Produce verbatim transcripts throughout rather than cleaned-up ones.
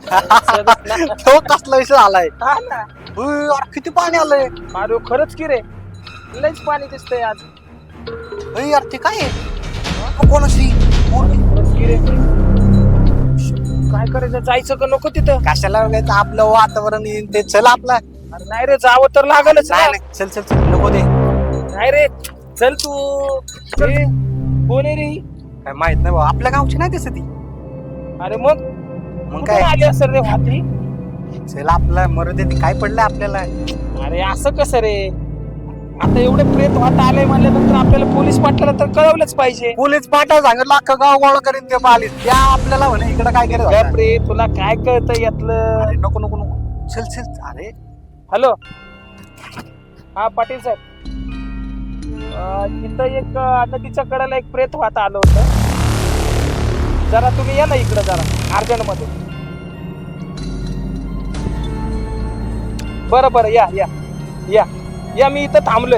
तो कसला विषय झालाय हा ना. उय, अरे किती पाणी आलंय अरे खरंच की रे, लयच पाणी दिसतंय आज. उय, यार ते काय आहे कोणाशी पोरगी? खरंच की रे. काय करायचं, जायचं का नको तिथं? कशाला वगायचं आपलं वातावरण येईन ते चल आपला अरे नाही रे, जावं तर लागलच ना. नाही नाही, चल चल चल नको दे नाही रे, चल तू. ए, कोण आहे रे ही? काय माहित नाही बाबा आपल्या गावची नाही दिसत ती अरे मग मग कुठून काय आली असेल रे वाती? चल आपला मरू दे ती, काय पडलंय आपल्याला अरे असं कसं रे, आता एवढे प्रेत वाट आलंय म्हणल्यानंतर आपल्याला पोलीस पाटलाला तर कळवलंच पाहिजे. पोलीस पाठव सांगितलं अख्खं गाव गोळा करीन ते पालीस त्या आपल्याला म्हणे इकडे काय का केलं प्रे, तुला काय कळतं यातलं? अरे नको नको नको चल चल अरे हॅलो, हा पाटील साहेब. अं, इथं एक अं, नदीच्या कडेला एक प्रेत वाहत आलं होतं. जरा तुम्ही या ना इकडं जरा अर्जंट मध्ये. बरं बरं, या या या या मी इथं थांबलोय.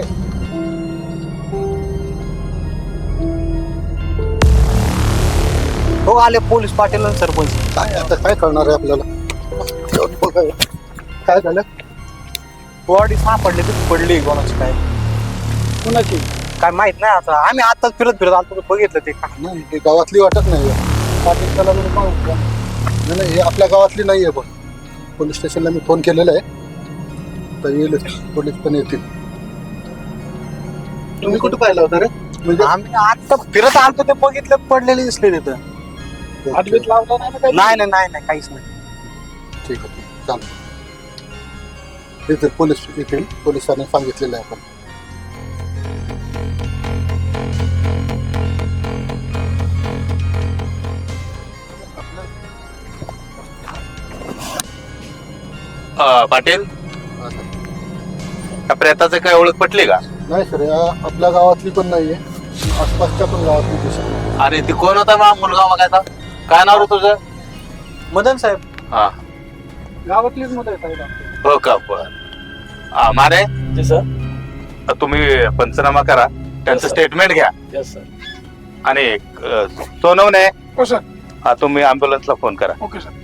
हो आले पोलीस पाटील आणि सरपंच काय आता काय करणार आहे आपल्याला? काय झालं? बॉडी सापडली ती पडली कोणाची काय कुणाची? काय माहित नाही आता आम्ही आताच फिरत फिरत आलो बघितलं ते काय नाही ही गावातली वाटत नाही पाटील चला बरं पाहू का? नाही नाही, हे आपल्या गावातली नाही आहे. पण पोलीस स्टेशनला मी फोन केलेला आहे, तर येईल पोलीस पण येतील. तुम्ही कुठं पाहिलं होतं रे? म्हणजे आम्ही आता फिरत आलतो ते बघितलं पडलेले दिसले तिथं हातबीत लावला नाही ना काही? नाही नाही नाही नाही काहीच नाही ठीक आहे, चालेल. येतील पोलीस येतील, पोलिसांनी सांगितलेलं आहे आपण. अ, पाटील, त्या प्रेताचं काय ओळख पटली का? नाही सर, या आपल्या गावातली पण नाहीये, आसपासच्या पण गावातली दिसत नाही. अरे ती कोण होता मग मुलगा बघायचा? काय नाव रे तुझं? मदन साहेब हा, गावातलीच मुलं आहेत साहेब. हो का? बर. हा, मारे Yes, sir. तुम्ही पंचनामा करा, त्यांचं sir. स्टेटमेंट घ्या. Yes, sir. आणि अ, सोनवणे, हो सर. हा तुम्ही अँब्युलन्सला फोन करा. Okay sir.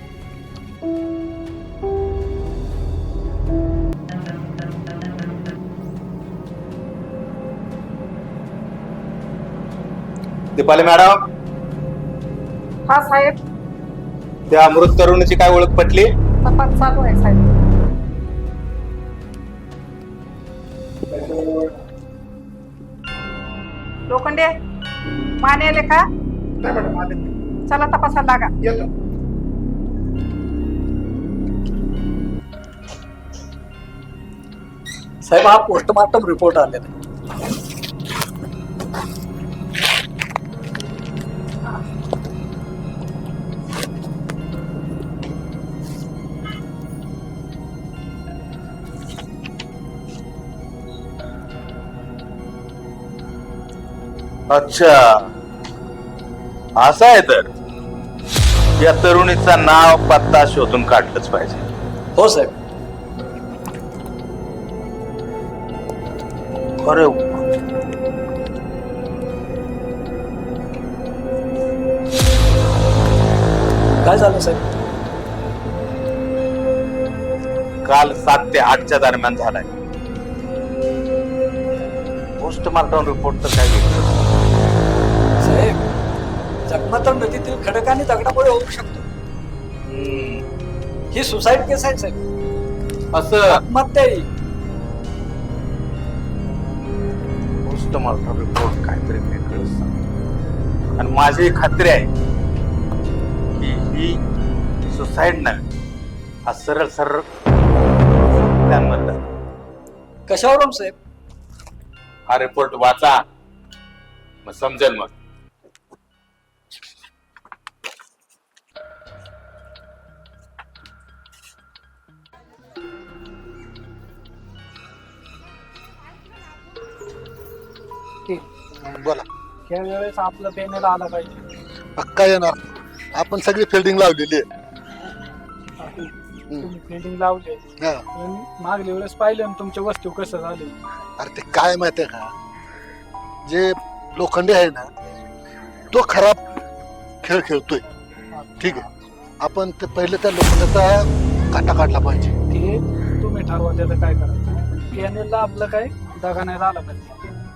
दीपाली मॅडम, हा साहेब, त्या मृत तरुणीची काय ओळख पटली? तपास चालू आहे साहेब. लोखंडे माने आले का? चला तपासायला लागा. साहेब हा पोस्टमार्टम रिपोर्ट आलेला आहे. अच्छा, असं आहे तर या तरुणीचा नाव पत्ता शोधून काढलंच पाहिजे. हो साहेब. अरे काय झालं साहेब? काल सात ते आठच्या दरम्यान झालाय. पोस्टमार्टम रिपोर्ट तर काय वेगळं. साहेब जखमा तर नदीतील खडकाने दगडामुळे होऊ शकतो. हम्म, ही सुसाईड केस आहे साहेब, असं आत्महत्या आहे. पोस्टमार्टम रिपोर्ट काहीतरी वेगळं सांग. आणि माझी खात्री आहे की ही सुसाईड नाही, हा सरळ सरळ त्यांमधला. कशावरून साहेब? हा रिपोर्ट वाचा, मग समजेल. मग बोला. या वेळेस आपलं पॅनल आला पाहिजे. अक्का येणार, आपण सगळी फिल्डिंग लावलेली आहे. तुम्ही फिल्डिंग लावले, हा. पण मागल्या वेळेस पाहिलं ना तुमच्या वस्तू कसं झाले. अरे ते काय माहितीये का, जे लोखंडे आहे ना तो खराब खेळ खेळतोय. ठीक आहे, आपण ते पहिले त्या लोखंडाचा काटा काढला पाहिजे. ते तुम्ही ठरवा त्याचं काय करायचं. पॅनेलला आपलं काय दगा नाही झाला पाहिजे.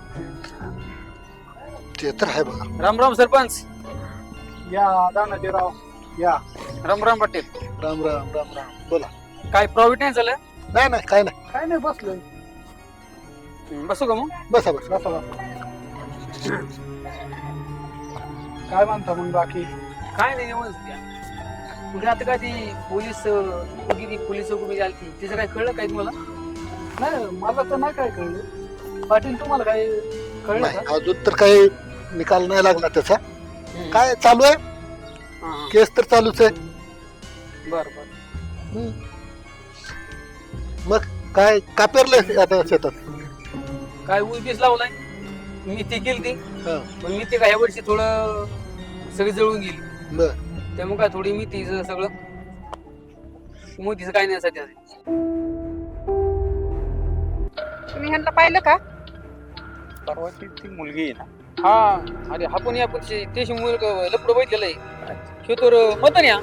ते तर आहे बघा. राम राम सरपंच. या दानाजीराव या. राम राम पाटील. राम राम राम राम. बोला. काय प्रॉफिट नाही झालं? नाही नाही काय नाही. काय नाही बसलोय. बसू का मग? बसा बसा. बसा बसा. काय म्हणता मग बाकी. काय नाही व्यवस्थित. कुठे आता काय ती पोलीस किती पोलीस उभी झाली तिचं काय कळलं काय तुम्हाला? नाही मला तर नाही काय कळलं. पाटील तुम्हाला काय कळलं नाही का? अजून तर काही निकाल नाही लागला त्याचा. काय चालू आहे केस तर चालूच आहे. बर बर. मग काय का पेरलंय आता शेतात. काय ऊस बीस लावलाय. मी ती केली ती हा. पण मी ते काय ह्या वर्षी थोडं सगळी जळून गेली बर. त्यामुळे काय थोडी मी तीच सगळं मोतीचं काय नाही सध्या. तुम्ही ह्यांना पाहिलं का? परवा ती ती मुलगी आहे ना. हा अरे आपण या पण त्याशी मुलगा लपड बघितलेलं आहे. हे तर मतन या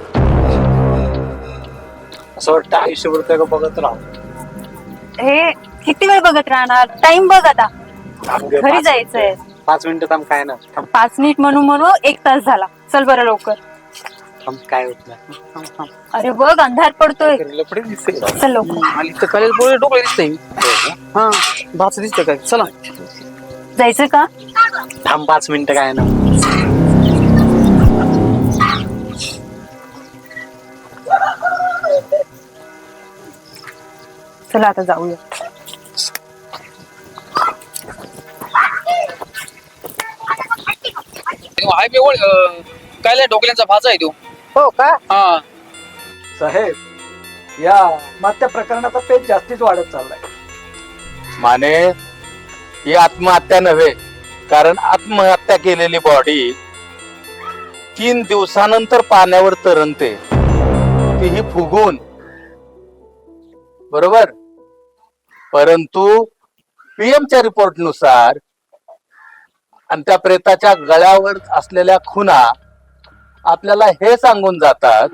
असं वाटतं आयुष्यभर त्या बघत राहू. हे किती वेळ बघत राहणार. टाइम बघ आता. घरी जायचंय. पाच मिनिटं थांब. काय ना पाच मिनिट म्हणून म्हणून एक तास झाला. चल बरं लवकर. थांब. काय होत नाही. अरे बघ अंधार पडतोय. लपडे दिसते. चल लवकर. आली तर खाली पोळे डोकं दिसतंय. हा भाच दिसतंय काय. चला जायचं का? थांब पाच मिनिटं. काय ना चला आता जाऊया. हायवे ओळ काय ढोकल्यांचा भाजा आहे तो. हो का? हा साहेब या आत्महत्या प्रकरणाचा पेच जास्तीच वाढत चाललाय. माने ही आत्महत्या नव्हे, कारण आत्महत्या केलेली बॉडी तीन दिवसानंतर पाण्यावर तरंगते. तीही फुगून. बरोबर. परंतु पीएमच्या रिपोर्ट नुसार आणि त्या प्रेताच्या गळ्यावर असलेल्या खुणा आपल्याला हे सांगून जातात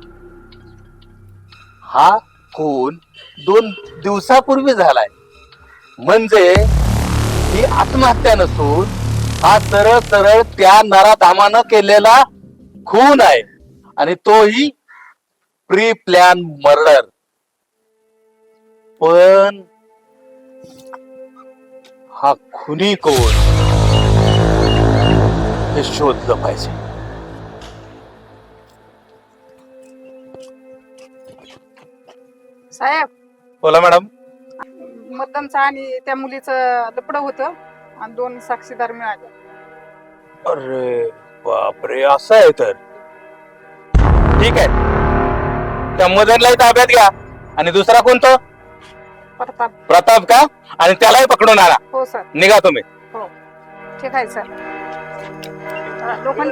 हा खून दोन दिवसापूर्वी झालाय. म्हणजे ही आत्महत्या नसून हा सरळ सरळ त्या नराधामानं केलेला खून आहे. आणि तोही प्री प्लॅन मर्डर. पण हा खुनी कोण हे शोधलं पाहिजे. साहेब बोला मॅडम. मतदानचं आणि त्या मुलीचं लपड होतं आणि दोन साक्षीदार मिळाले. अरे बापरे, असं आहे तर ठीक आहे. त्या मदनलाही ताब्यात घ्या. आणि दुसरा कोणतो? प्रताप. प्रताप का? आणि त्यालाही पकडून आणा. हो सर. निघा तुम्ही. हो ठीक आहे सर. लोखंड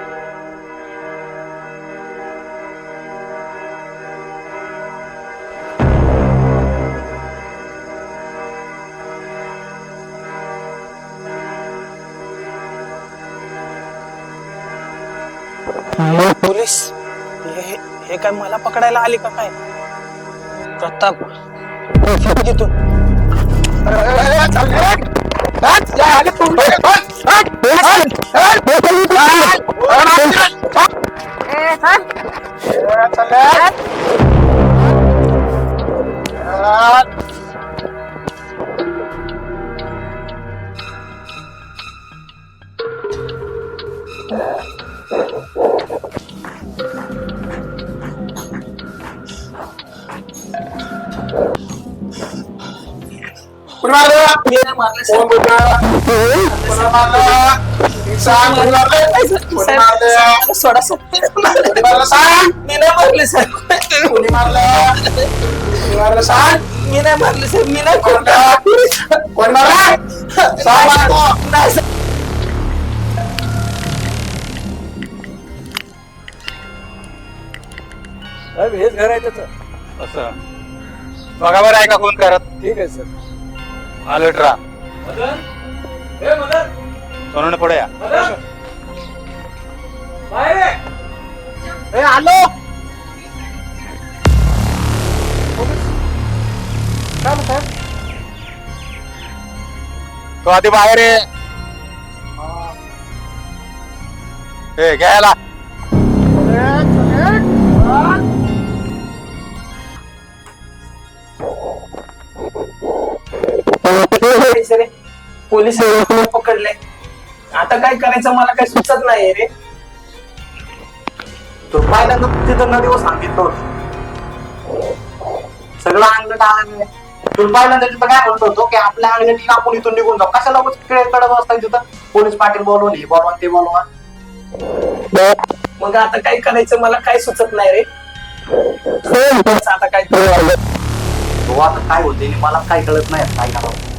पोलीस हे हे काय मला पकडायला आले का काय? प्रताप घेतो. ए सर सोडा मी नाही मारले सर. मी नाही मारले सर. मी नाही साहेब हेच घर आहे त्याचं. असं बघा बरं आहे का कोण करत. ठीक आहे सर. अलर्ट राहा. मदन ए मदन सोनवणे पुढे या. मदन बाहेर ये. आलो. काय साहेब? तो आधी बाहेर आहे. ए घ्यायला पोलीस पकडले. आता काय करायचं मला काही सुचत नाही रे. तो पहिल्यांदा तिथं नदीवर सांगितलं होतं सगळं अंगलट आलं नाही. तू पहिल्यांदा तिथं काय म्हणतो होतो की आपल्या अंगलटी आपण इथून निघून जाऊ. कशाला कडत असतात तिथं पोलीस पाटील बोलवून हे बोलवा ते बोलवा. मग आता काय करायचं मला काय सुचत नाही रे. आता काय तो आता काय होते मला काय कळत नाही काय करावं.